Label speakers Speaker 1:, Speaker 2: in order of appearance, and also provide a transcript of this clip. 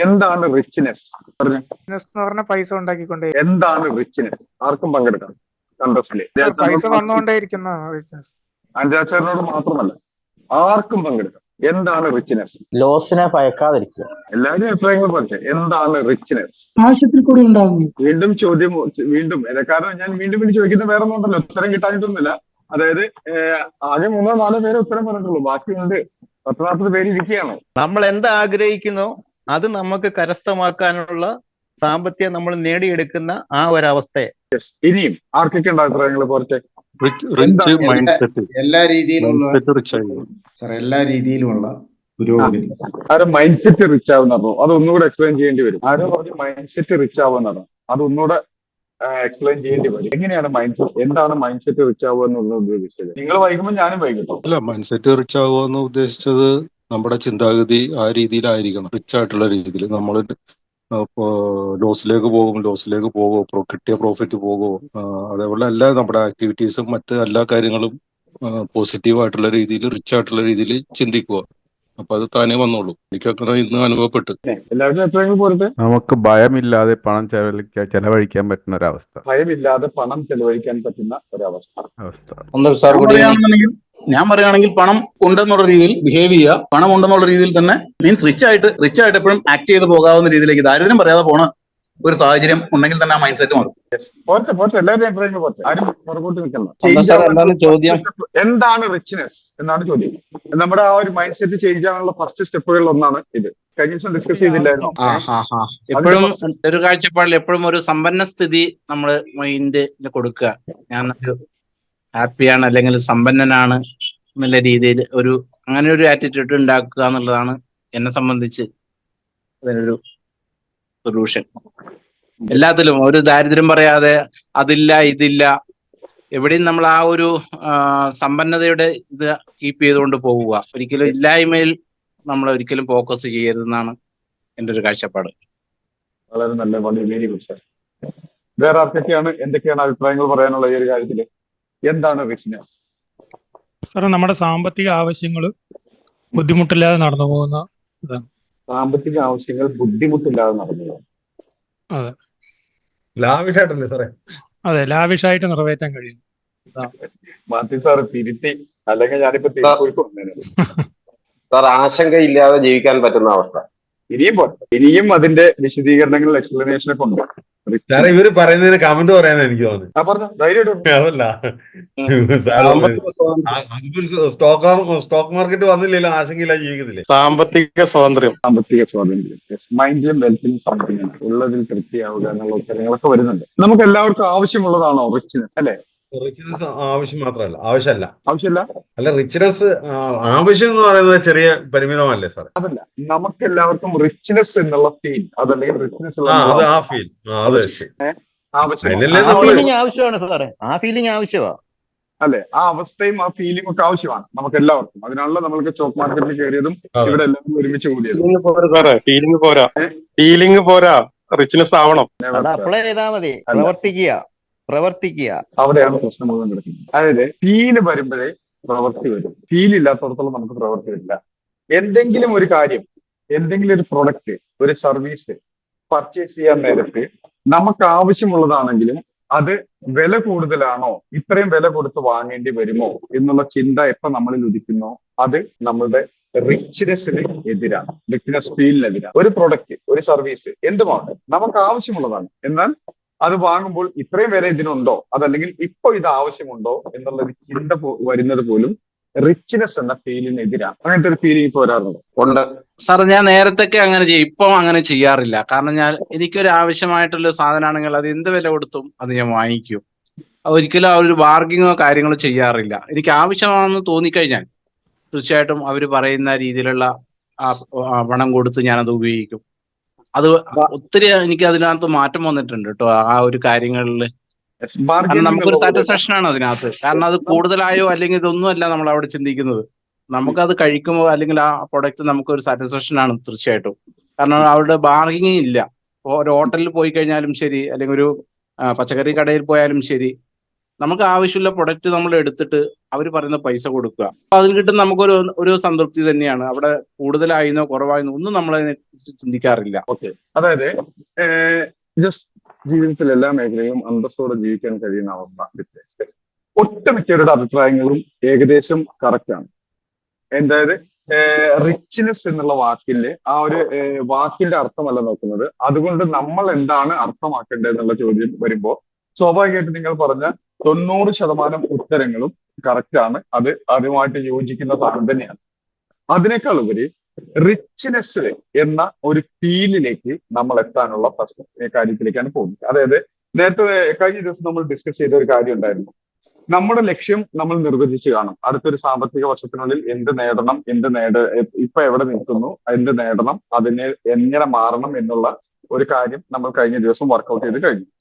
Speaker 1: എന്താണ് റിച്ച്നെസ്? പറഞ്ഞു.
Speaker 2: ബിസിനസ് എന്ന് പറഞ്ഞാൽ പൈസ ഉണ്ടാക്കിക്കൊണ്ടേ.
Speaker 1: എന്താണ് റിച്ച്നെസ്? ആർക്കും പങ്കെടുക്കാം കണ്ടസ്റ്റില്.
Speaker 2: പൈസ വന്നുകൊണ്ടേയിരിക്കുന്ന ബിസിനസ്.
Speaker 1: അഞ്ചാച്ചാറിനോട് മാത്രമല്ല, ആർക്കും പങ്കെടുക്കാം. എന്താണ് റിച്ച്നെസ്?
Speaker 3: ലോസിനെ ഭയക്കാതിരിക്കുക.
Speaker 1: എല്ലാവരും എപ്പോഴെങ്കിലും പറഞ്ഞേ എന്താണ് റിച്ച്നെസ്?
Speaker 4: ആവശ്യത്തിൽ കൂടി ഉണ്ടാകുന്നു.
Speaker 1: വീണ്ടും ചോദ്യം, വീണ്ടും കാരണം ഞാൻ വീണ്ടും വീണ്ടും ചോദിക്കുന്നത് വേറെ ഒന്നുണ്ടല്ലോ, ഉത്തരം കിട്ടാനിട്ടൊന്നുമില്ല. അതായത് ആകെ 3-4 പേരെ ഉത്തരം പറഞ്ഞിട്ടുള്ളൂ, ബാക്കിയുണ്ട് 10-40 പേര് ഇരിക്കുകയാണ്.
Speaker 5: നമ്മൾ എന്താ ആഗ്രഹിക്കുന്നോ അത് നമുക്ക് കരസ്ഥമാക്കാനുള്ള സാമ്പത്തികം നമ്മൾ നേടിയെടുക്കുന്ന ആ ഒരവസ്ഥയെ.
Speaker 1: ഇനിയും ആർക്കൊക്കെ ഉണ്ട് അഭിപ്രായങ്ങൾ? പോരട്ടെ.
Speaker 6: എല്ലാ രീതിയിലുള്ള എല്ലാ രീതിയിലുമുള്ള പുരോഗതി.
Speaker 1: ആരും മൈൻഡ് സെറ്റ് റിച്ച് ആവുന്ന പറഞ്ഞു, അത് ഒന്നുകൂടെ എക്സ്പ്ലെയിൻ ചെയ്യേണ്ടി വരും. ആരും പറഞ്ഞു മൈൻഡ് സെറ്റ് റിച്ച് ആവുന്നതാണ്, അത് ഒന്നുകൂടെ എക്സ്പ്ലെയിൻ ചെയ്യേണ്ടി വരും. എങ്ങനെയാണ് മൈൻഡ് സെറ്റ്, എന്താണ് മൈൻഡ് സെറ്റ് റിച്ച് ആവുക എന്നുള്ളത് ഉദ്ദേശിച്ചത്? നിങ്ങൾ വൈകുമ്പോൾ ഞാനും വൈകിട്ടോ.
Speaker 7: അല്ല, മൈൻഡ് സെറ്റ് റിച്ച് ആവുക എന്ന് ഉദ്ദേശിച്ചത് നമ്മുടെ ചിന്താഗതി ആ രീതിയിലായിരിക്കണം. റിച്ച് ആയിട്ടുള്ള രീതിയിൽ നമ്മൾ ലോസിലേക്ക് പോകുമോ, കിട്ടിയ പ്രോഫിറ്റ് പോകുമോ, അതേപോലെ എല്ലാ നമ്മുടെ ആക്ടിവിറ്റീസും മറ്റ് എല്ലാ കാര്യങ്ങളും പോസിറ്റീവ് ആയിട്ടുള്ള രീതിയിൽ, റിച്ച് ആയിട്ടുള്ള രീതിയിൽ ചിന്തിക്കുക. അപ്പൊ അത് താനേ വന്നോളൂ. എനിക്കങ്ങനെ ഇന്ന് അനുഭവപ്പെട്ടു.
Speaker 1: എല്ലാവരും എപ്പോഴെങ്കിലും പോരട്ടെ.
Speaker 8: നമുക്ക് ഭയമില്ലാതെ പണം ചെലവഴിക്കാൻ പറ്റുന്ന ഒരവസ്ഥ.
Speaker 1: ഭയമില്ലാതെ പണം ചെലവഴിക്കാൻ പറ്റുന്ന ഒരവസ്ഥ.
Speaker 9: ഞാൻ പറയുകയാണെങ്കിൽ പണം ഉണ്ടെന്നുള്ള രീതിയിൽ ബിഹേവ് ചെയ്യുക, പണം ഉണ്ടെന്നുള്ള രീതിയിൽ തന്നെ മീൻസ് റിച്ച് ആയിട്ട് എപ്പോഴും ആക്ട് ചെയ്ത് പോകാവുന്ന രീതിയിലേക്ക്, ദാരിദ്ര്യം പറയാതെ പോണ ഒരു സാഹചര്യം ഉണ്ടെങ്കിൽ തന്നെ ആ മൈൻഡ് സെറ്റ് മാറും.
Speaker 1: എന്താണ് റിച്ച്നെസ് എന്നാണ് ചോദ്യം. നമ്മുടെ ആ ഒരു മൈൻഡ് സെറ്റ് ചേഞ്ച് ആവാനുള്ള ഫസ്റ്റ് സ്റ്റെപ്പുകളിൽ ഒന്നാണ് ഇത്. കഴിഞ്ഞ ദിവസം ഡിസ്കസ് ചെയ്തില്ലായിരുന്നു.
Speaker 10: എപ്പോഴും ഒരു കാഴ്ചപ്പാടിൽ എപ്പോഴും ഒരു സമ്പന്ന സ്ഥിതി നമ്മൾ മൈൻഡ് കൊടുക്കുക. ഞാൻ ഒരു ഹാപ്പിയാണ് അല്ലെങ്കിൽ സമ്പന്നനാണ് എന്നുള്ള രീതിയിൽ അങ്ങനെ ഒരു ആറ്റിറ്റ്യൂഡ് ഉണ്ടാക്കുക എന്നുള്ളതാണ് എന്നെ സംബന്ധിച്ച് അതിനൊരു സൊല്യൂഷൻ. എല്ലാത്തിലും ഒരു ദാരിദ്ര്യം പറയാതെ അതില്ല ഇതില്ല, എവിടെയും നമ്മൾ ആ ഒരു സമ്പന്നതയുടെ ഇത് കീപ്പ് ചെയ്തുകൊണ്ട് പോവുക. ഒരിക്കലും ഇല്ലായ്മയിൽ നമ്മൾ ഒരിക്കലും ഫോക്കസ് ചെയ്യരുതെന്നാണ് എൻ്റെ ഒരു കാഴ്ചപ്പാട്.
Speaker 1: വളരെ നല്ല, വളരെ ഗുഡ്. വേറെ ആർക്കൊക്കെയാണ് എന്തൊക്കെയാണ് അഭിപ്രായങ്ങൾ പറയാനുള്ള ഈ ഒരു കാര്യത്തില്? എന്താണ് റിച്ച്നെസ്?
Speaker 2: സാർ, നമ്മുടെ സാമ്പത്തിക ആവശ്യങ്ങൾ ബുദ്ധിമുട്ടില്ലാതെ നടന്നു പോകുന്ന ഇതാണ്.
Speaker 1: സാമ്പത്തിക ആവശ്യങ്ങൾ ബുദ്ധിമുട്ടില്ലാതെ നടന്നു പോകും.
Speaker 2: അതെ,
Speaker 6: ലാവിഷായിട്ടല്ലേ സാറേ?
Speaker 2: അതെ, ലാവിഷായിട്ട് നിറവേറ്റാൻ കഴിയും.
Speaker 1: മാത്യു സാറ് തിരുത്തി, അല്ലെങ്കിൽ ഞാനിപ്പോ
Speaker 3: സാർ, ആശങ്കയില്ലാതെ ജീവിക്കാൻ പറ്റുന്ന അവസ്ഥ.
Speaker 1: ഇനിയും അതിന്റെ വിശദീകരണങ്ങൾ, എക്സ്പ്ലനേഷനൊക്കെ ഉണ്ട്.
Speaker 6: സാറേ, ഇവര് പറയുന്നതിന് കമന്റ് പറയാനാണ് എനിക്ക് തോന്നുന്നത്. അതല്ല, സ്റ്റോക്ക് മാർക്കറ്റ് വന്നില്ലല്ലോ, ആശങ്കയില്ല ജീവിക്കത്തില്ലേ.
Speaker 5: സാമ്പത്തിക സ്വാതന്ത്ര്യം,
Speaker 1: മൈൻഡിലും വെൽത്തിലും സംതൃപ്തി ഉള്ളതിൽ തൃപ്തിയാവുക എന്നുള്ള ഉത്തരങ്ങളൊക്കെ വരുന്നുണ്ട്. നമുക്ക് എല്ലാവർക്കും ആവശ്യമുള്ളതാണോ റിച്ച്നെസ്? അല്ലെ,
Speaker 6: റിച്ച്നെസ് ആവശ്യം മാത്രമല്ല, ആവശ്യമല്ല. അല്ല, റിച്ച്നെസ് ആവശ്യം എന്ന് പറയുന്നത് ചെറിയ പരിമിതമല്ലേ സാർ?
Speaker 1: അതല്ല, നമുക്ക് എല്ലാവർക്കും റിച്ച്നെസ് എന്നുള്ള ഫീൽ, അതല്ലെങ്കിൽ റിച്ച്നെസ്
Speaker 5: ആവശ്യമാണ് സാറേ. ആ ഫീലിംഗ് ആവശ്യമാണ്
Speaker 1: അല്ലെ, ആ അവസ്ഥയും ആ ഫീലിംഗ് ഒക്കെ ആവശ്യമാണ് നമുക്ക് എല്ലാവർക്കും. അതിനാണല്ലോ നമ്മൾക്ക് സ്റ്റോക്ക് മാർക്കറ്റിൽ കയറിയതും ഇവിടെ എല്ലാവരും ഒരുമിച്ച് കൂടിയത്.
Speaker 5: ഫീലിംഗ് പോരാ, റിച്ച്നെസ് ആവണം. അപ്ലൈ ചെയ്താൽ മതി, പ്രവർത്തിക്കുക.
Speaker 1: അവിടെയാണ് പ്രശ്നം മുഴുവൻ കിടക്കുന്നത്. അതായത് ഫീല് വരുമ്പോഴേ പ്രവൃത്തി വരും. ഫീൽ ഇല്ലാത്തടത്തോളം നമുക്ക് പ്രവൃത്തി വരില്ല. എന്തെങ്കിലും ഒരു കാര്യം, എന്തെങ്കിലും ഒരു പ്രൊഡക്റ്റ്, ഒരു സർവീസ് പർച്ചേസ് ചെയ്യാൻ നേരത്ത് നമുക്ക് ആവശ്യമുള്ളതാണെങ്കിലും അത് വില കൂടുതലാണോ, ഇത്രയും വില കൊടുത്ത് വാങ്ങേണ്ടി വരുമോ എന്നുള്ള ചിന്ത എപ്പോ നമ്മളിൽ ഉദിക്കുന്നോ അത് നമ്മളുടെ റിച്ച്നെസ്സിന് എതിരാണ്, റിച്ച്നെസ് ഫീലിനെതിരാണ്. ഒരു പ്രൊഡക്റ്റ്, ഒരു സർവീസ് എന്തുമാണ് നമുക്ക് ആവശ്യമുള്ളതാണ്, എന്നാൽ അത് വാങ്ങുമ്പോൾ ഇത്രയും വില ഇതിനുണ്ടോ, അതല്ലെങ്കിൽ ഇപ്പൊ ഇത് ആവശ്യമുണ്ടോ എന്നുള്ള ഒരു ചിന്ത വരുന്നത് പോലും റിച്ച്നെസ് എന്ന ഫീലിനെതിരാണ്. അങ്ങനത്തെ ഒരു ഫീലിംഗ് ഇപ്പൊ വരാറുണ്ട്.
Speaker 10: സാർ, ഞാൻ നേരത്തൊക്കെ അങ്ങനെ ചെയ്യും, ഇപ്പം അങ്ങനെ ചെയ്യാറില്ല. കാരണം എനിക്കൊരു ആവശ്യമായിട്ടുള്ള സാധനമാണെങ്കിൽ അത് എന്ത് വില കൊടുത്തും അത് ഞാൻ വാങ്ങിക്കും. ഒരിക്കലും ആ ഒരു ബാർഗിങ്ങോ കാര്യങ്ങളോ ചെയ്യാറില്ല. എനിക്ക് ആവശ്യമാണെന്ന് തോന്നിക്കഴിഞ്ഞാൽ തീർച്ചയായിട്ടും അവർ പറയുന്ന രീതിയിലുള്ള പണം കൊടുത്ത് ഞാനത് ഉപയോഗിക്കും. അത് ഒത്തിരി എനിക്ക് അതിനകത്ത് മാറ്റം വന്നിട്ടുണ്ട് കേട്ടോ, ആ ഒരു കാര്യങ്ങളിൽ. കാരണം നമുക്കൊരു സാറ്റിസ്ഫാക്ഷൻ ആണ് അതിനകത്ത്. കാരണം അത് കൂടുതലായോ അല്ലെങ്കിൽ ഇതൊന്നും അല്ല നമ്മൾ അവിടെ ചിന്തിക്കുന്നത്. നമുക്കത് കഴിക്കുമ്പോൾ അല്ലെങ്കിൽ ആ പ്രൊഡക്റ്റ് നമുക്കൊരു സാറ്റിസ്ഫാക്ഷൻ ആണ് തീർച്ചയായിട്ടും. കാരണം അവരുടെ ബാർഗിങ് ഇല്ല. ഒരു ഹോട്ടലിൽ പോയി കഴിഞ്ഞാലും ശരി, അല്ലെങ്കിൽ ഒരു പച്ചക്കറി കടയിൽ പോയാലും ശരി, നമുക്ക് ആവശ്യമുള്ള പ്രൊഡക്റ്റ് നമ്മൾ എടുത്തിട്ട് അവർ പറയുന്ന പൈസ കൊടുക്കുക. അപ്പൊ അതിൽ കിട്ടുന്ന നമുക്കൊരു ഒരു സംതൃപ്തി തന്നെയാണ്. അവിടെ കൂടുതലായിരുന്നോ കുറവായിരുന്നോ ഒന്നും നമ്മൾ അതിനെ കുറിച്ച് ചിന്തിക്കാറില്ല.
Speaker 1: ഓക്കെ, അതായത് ജസ്റ്റ് ജീവിതത്തിൽ എല്ലാ മേഖലയും അന്തസ്സോടെ ജീവിക്കാൻ കഴിയുന്ന അവസ്ഥ ഒട്ടുമിക്കവരുടെ അഭിപ്രായങ്ങളും ഏകദേശം കറക്റ്റ് ആണ്. അതായത് റിച്ച്നെസ് എന്നുള്ള വാക്കില് ആ ഒരു വാക്കിന്റെ അർത്ഥമല്ല നോക്കുന്നത്, അതുകൊണ്ട് നമ്മൾ എന്താണ് അർത്ഥമാക്കേണ്ടത് എന്നുള്ള ചോദ്യം വരുമ്പോൾ സ്വാഭാവികമായിട്ട് നിങ്ങൾ പറഞ്ഞ 90% ഉത്തരങ്ങളും കറക്റ്റ് ആണ്. അത് അതുമായിട്ട് യോജിക്കുന്ന സാധനം തന്നെയാണ്. അതിനേക്കാൾ ഉപരി റിച്ച്നെസ് എന്ന ഒരു ഫീലിലേക്ക് നമ്മൾ എത്താനുള്ള ഫസ്റ്റ് കാര്യത്തിലേക്കാണ് പോകുന്നത്. അതായത് നേരത്തെ കഴിഞ്ഞ ദിവസം നമ്മൾ ഡിസ്കസ് ചെയ്ത ഒരു കാര്യം ഉണ്ടായിരുന്നു. നമ്മുടെ ലക്ഷ്യം നമ്മൾ നിർവചിച്ച് കാണും. അടുത്തൊരു സാമ്പത്തിക വർഷത്തിനുള്ളിൽ എന്ത് നേടണം, ഇപ്പൊ എവിടെ നിൽക്കുന്നു, എന്ത് നേടണം, അതിനെ എങ്ങനെ മാറണം എന്നുള്ള ഒരു കാര്യം നമ്മൾ കഴിഞ്ഞ ദിവസം വർക്കൗട്ട് ചെയ്ത് കഴിഞ്ഞു.